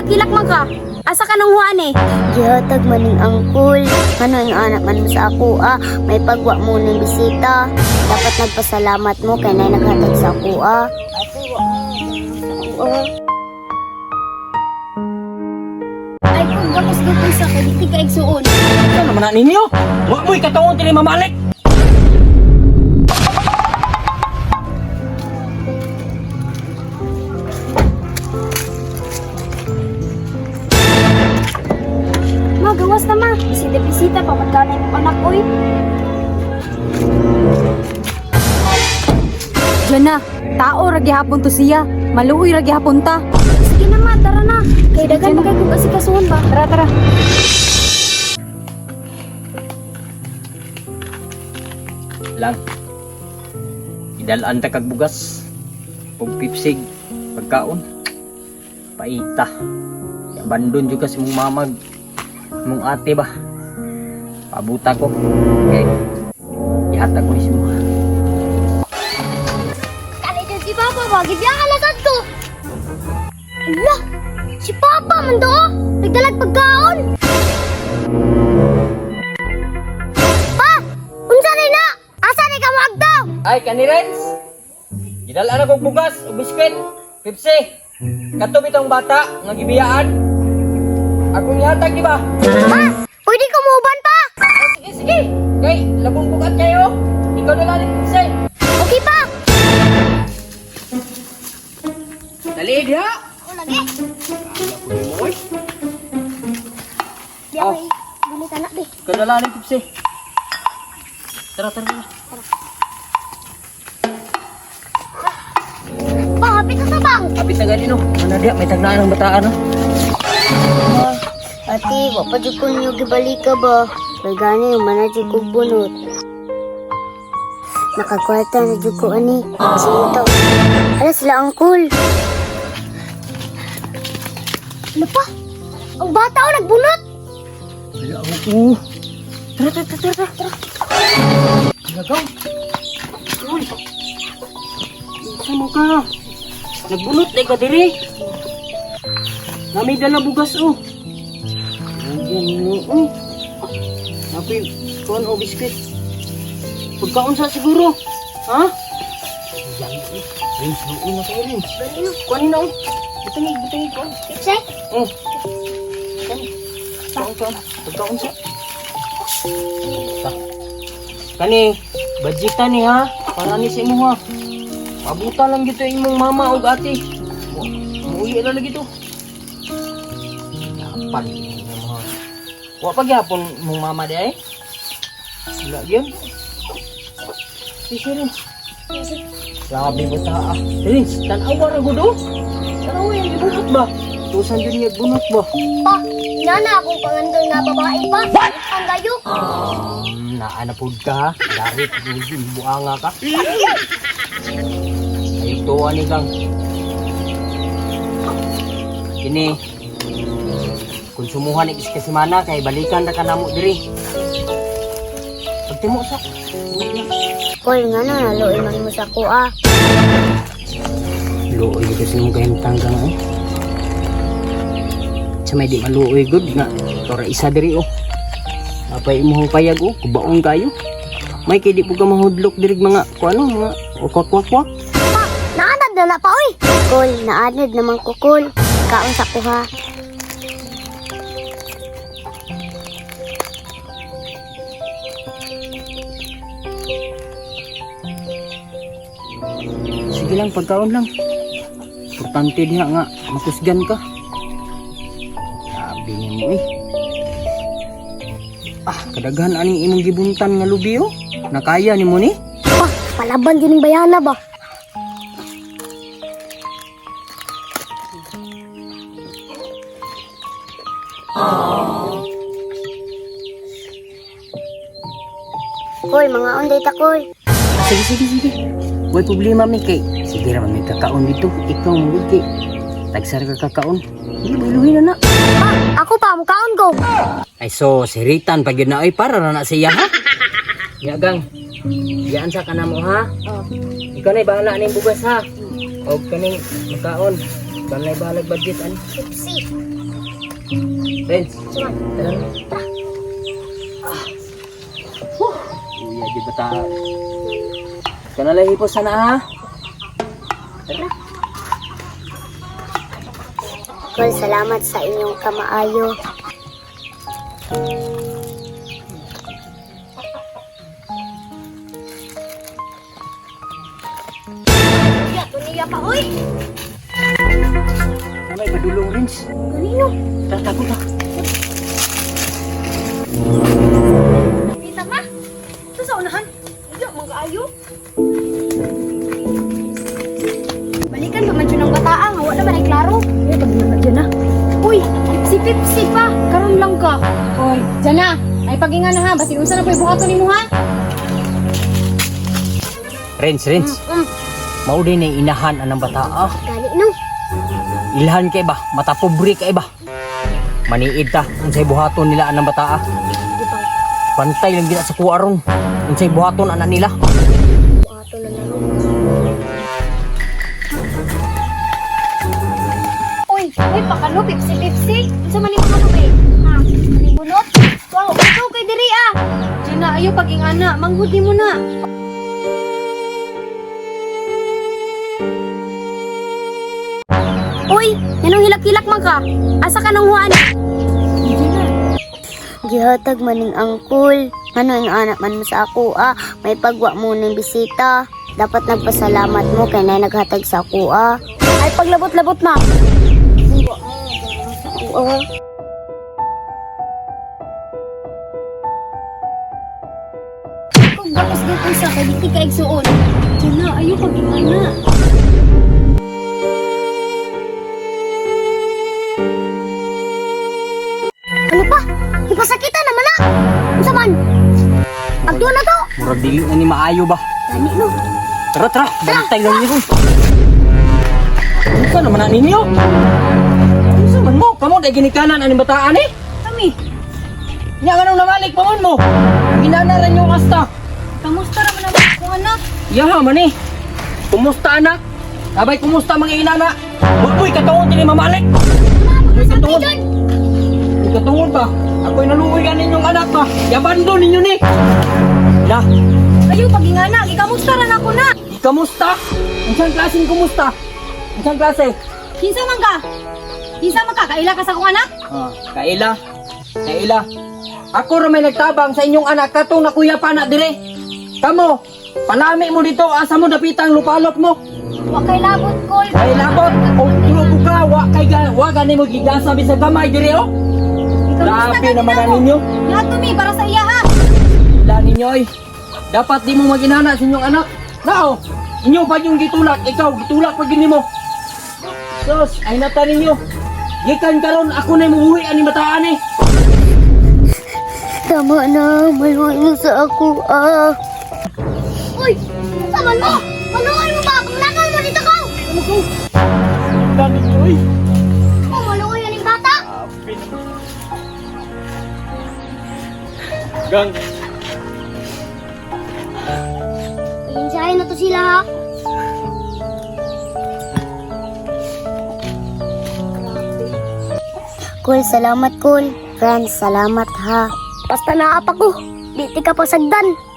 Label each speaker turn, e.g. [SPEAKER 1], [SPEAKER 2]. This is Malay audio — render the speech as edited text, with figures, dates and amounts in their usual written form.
[SPEAKER 1] Kilak man ka. Asa ka nung huan eh?
[SPEAKER 2] Gihatag maning angkol. Ano yung anak man mo sa ako may pagwa mo ng bisita. Dapat nagpasalamat mo kay nay naghatag sa ako
[SPEAKER 1] Ay, kung gapos gapos sa kay di ka igsuon.
[SPEAKER 3] Ano naman na ninyo? Huwag mo'y katawang tili mamalik!
[SPEAKER 1] Magawas na ma. Bisita-bisita pa magkanay mong anak ko eh.
[SPEAKER 4] Diyan na, tao ra gihapon to siya. Maluoy ra gihapon ta.
[SPEAKER 1] Sige na ma, tara na. Kay dagan mo kay kung asikasuon ba?
[SPEAKER 4] Tara, tara.
[SPEAKER 3] Lang. Idalaan ta kag bugas. Ug pipsig. Pagkaon. Paita. Abandon juga si mong mamag. Mong ate ba. Pabuta ko. Okay. Ihatag ko ni si mga.
[SPEAKER 2] Kali dyan si Papa ba? Gibiyang alasad ko. Ala, si Papa man do. Nagdalag pagkaon. Pa, unsa rin na? Asa ni ka magdaw?
[SPEAKER 3] Ay, kanirens! Gidalaan ako bugas o biskwit. Pipsi. Kato bitong bata nga gibiyaan. Akong ihatag di ba?
[SPEAKER 2] Pa, pwede ko muuban pa.
[SPEAKER 3] Sige, sige. Kay, labong bukat kayo. Ikaw na lang ni Pipsi.
[SPEAKER 2] Okay pa.
[SPEAKER 3] Dali, diha.
[SPEAKER 2] O lagi.
[SPEAKER 3] Oy,
[SPEAKER 2] Di
[SPEAKER 3] Oh.
[SPEAKER 2] ay bulit anak di.
[SPEAKER 3] ikaw na lang ni Pipsi. Tara, tara, tara.
[SPEAKER 2] Pa, hapit na sa bang.
[SPEAKER 3] Kapit na gani no. Ano diha, may tagnaan ng bataan no.
[SPEAKER 2] Ate, wapa di ko niyo gibalik ka ba? Kaya gani yung manadyo ko bunot. Nakakwarta na dyan ko ani. Sinto. Ala sila angkol. Ano pa? Ang bata o nagbunot.
[SPEAKER 3] Wala ako. Tara, tara, tara, tara, tara. Nagaw. Uy. Sama ka. Nagbunot na ka diri. Nami dala bugas oh. Ayan mo. Uy. Napi, kuhan o biskuit. Pagkaon sa siguro. Ha? Ayan eh. Rins, luon na kayo Rins. Kuhanin na oh. Butangin, butangin kuhan.
[SPEAKER 2] Pipse?
[SPEAKER 3] Oh. Kuhan. Pagkaon sa. Kani, budgetan ni ha. Para ni sa imo ha. Pabuta lang gito imong mama o ate. Muuwi na lagi to. Yapan. Wa pa gyapon mong mama di ay. Wala gyud. Sige rin. Grabe mo ta ah. Rins, tanawa ra gud oh. Tanawa yung ibunot ba? Tusan yun yung bunot ba?
[SPEAKER 2] Pa, nana akong pangandol na babae pa. Ang gayo.
[SPEAKER 3] Naanapod ka ha. Darit, buanga ka. Ayok tuwa ni Kang. Kini, konsumuhan ni kasi mana kay balikan na ka namo diri. Pagtimo sa.
[SPEAKER 2] Kol nga na, naluin man mo sa kuha.
[SPEAKER 3] Luoy kasi mong kahintang ka na eh. Sa may di maluoy good nga. Tora isa diri oh. Apay imong payag oh, kubaon kayo. May kay di po ka mahudlok diri mga kuano mga kwak-kwak-kwak.
[SPEAKER 2] Pa, naanad na pa, oy. Kol, naanad naman ko, Kol. Kaon sa kuha.
[SPEAKER 3] Sige lang, pagkaon lang. Importante diha nga, makusgan ka. Sabi niya mo eh. Ah, kadaghan aning imong gibuntan nga lubi oh. Nakaya ni mo ni?
[SPEAKER 2] Pa, palaban din yung bayana ba? Kol, mga onday ta, Kol.
[SPEAKER 3] Sige, sige, sige. May problema mi kay. Sige raman may kakaon dito. Ikaw mo kay. Tagsar ka kakaon. Hindi, biluhin na na.
[SPEAKER 2] Pa, ako pa, mukaon ko.
[SPEAKER 3] Ay so, si Ritan pag yun na ay para na siya ha. Yagang. Yan sa kanamo ha.
[SPEAKER 2] Oh.
[SPEAKER 3] Ikaw na'y bahala ning bugas ha. O kaning makaon. Ikaw na'y bahala budget ani.
[SPEAKER 2] Pepsi.
[SPEAKER 3] Friends,
[SPEAKER 1] Suman.
[SPEAKER 3] tara na. Uy, di bata. Kanalay hipos sana ha. Tara.
[SPEAKER 2] Kol, salamat sa inyong kamaayo.
[SPEAKER 1] Ya, tuniya pa, uy.
[SPEAKER 3] May padulong Rins.
[SPEAKER 1] Kanino?
[SPEAKER 3] Tatago na.
[SPEAKER 1] Kita ma. Ito sa unahan. Iyo, mga ayo. Balikan pa man dyan ang bataan. Hawa naman ay klaro.
[SPEAKER 4] Eh, pag na dyan na.
[SPEAKER 1] Uy, pipsi pa.
[SPEAKER 4] Karon lang ka. Hoy, dyan na. Ay pagingan na ha. Basi unsa na po ibuhaton ni mo ha.
[SPEAKER 3] Rins. Mao din ay inahan anang bata ah.
[SPEAKER 1] Gali no.
[SPEAKER 3] Ilhan kay ba? Mata pobre kay ba? Maniid ta unsay buhaton nila anang bata ah. Pantay lang gina sa kuwaron. Unsay buhaton ana nila.
[SPEAKER 1] Ato na lang. Uy, pakano pipsi. Unsa man imong ano be? Ha? Ani bunot? Wow, ikaw kay diri ah.
[SPEAKER 4] Dyan na. Ayo pagingana. Manghudi mo na.
[SPEAKER 1] Uy, yanong hilak-hilak man ka. Asa ka nang huan?
[SPEAKER 2] Gihatag maning angkol. Ano ang anak man mo sa ako may pagwa mo ng bisita. Dapat nagpasalamat mo kay na naghatag sa ako
[SPEAKER 1] Ay paglabot-labot ma. Kung bakos dito sa kay di ka igsuon.
[SPEAKER 4] Dyan na. Ayo pagingana.
[SPEAKER 1] Ano pa? Ipasakitan naman na. Unsa man? Agdo na to.
[SPEAKER 3] Murag dili na ni maayo ba?
[SPEAKER 1] Gani no.
[SPEAKER 3] Tara, bantay lang niyo. Unsa naman na ninyo? Unsa man mo? Kamo day ginikanan aning bataan eh?
[SPEAKER 4] Kami.
[SPEAKER 3] Nya ganong namalik pa mo. Ginanaran yung asta.
[SPEAKER 4] Kamusta naman ang akong anak?
[SPEAKER 3] Yaha man eh. Kumusta anak? Abay kumusta mga inana? Uy, katungod din mamalik. Uy, katungod. Uy, katungod ba? Ako'y naluoy ka ninyong anak ba? Yabando ninyo ni. Ya,
[SPEAKER 4] Ayo pagingana. Ikamusta ran ako na.
[SPEAKER 3] kamusta? Unsang klaseng kumusta? Unsang klase?
[SPEAKER 4] Kinsa man ka? Kinsa man ka? Kaila ka sa akong anak?
[SPEAKER 3] Kaila. Kaila. Ako ra may nagtabang sa inyong anak katong nakuya pa na dire. Kamo, palami mo dito asa mo dapitang lupalop mo.
[SPEAKER 1] Wa kay labot kol.
[SPEAKER 3] Ay labot, og tulo ka wa gani mo gigasa bisag gamay dire oh. Grabe naman na ninyo.
[SPEAKER 4] Lahat to mi para sa iya ha.
[SPEAKER 3] La ninyo ay. Dapat di mo maginana sa inyong anak. Nao, inyo pa yung gitulak, ikaw gitulak pa gini mo. Sus, ay nata ninyo. Gikan karon ako na muwi ani bataan eh.
[SPEAKER 2] Tama na, maluin mo sa ako
[SPEAKER 1] Uy, unsa man mo? Maluoy mo ba? Kumlakan mo dito ko.
[SPEAKER 3] La ninyo ay.
[SPEAKER 1] Oh, maluoy aning bata.
[SPEAKER 3] Gang.
[SPEAKER 1] Insahin na to sila ha.
[SPEAKER 2] Kol, salamat Kol. Friends, salamat ha.
[SPEAKER 1] Basta naapa ko. Di ti ka pasagdan.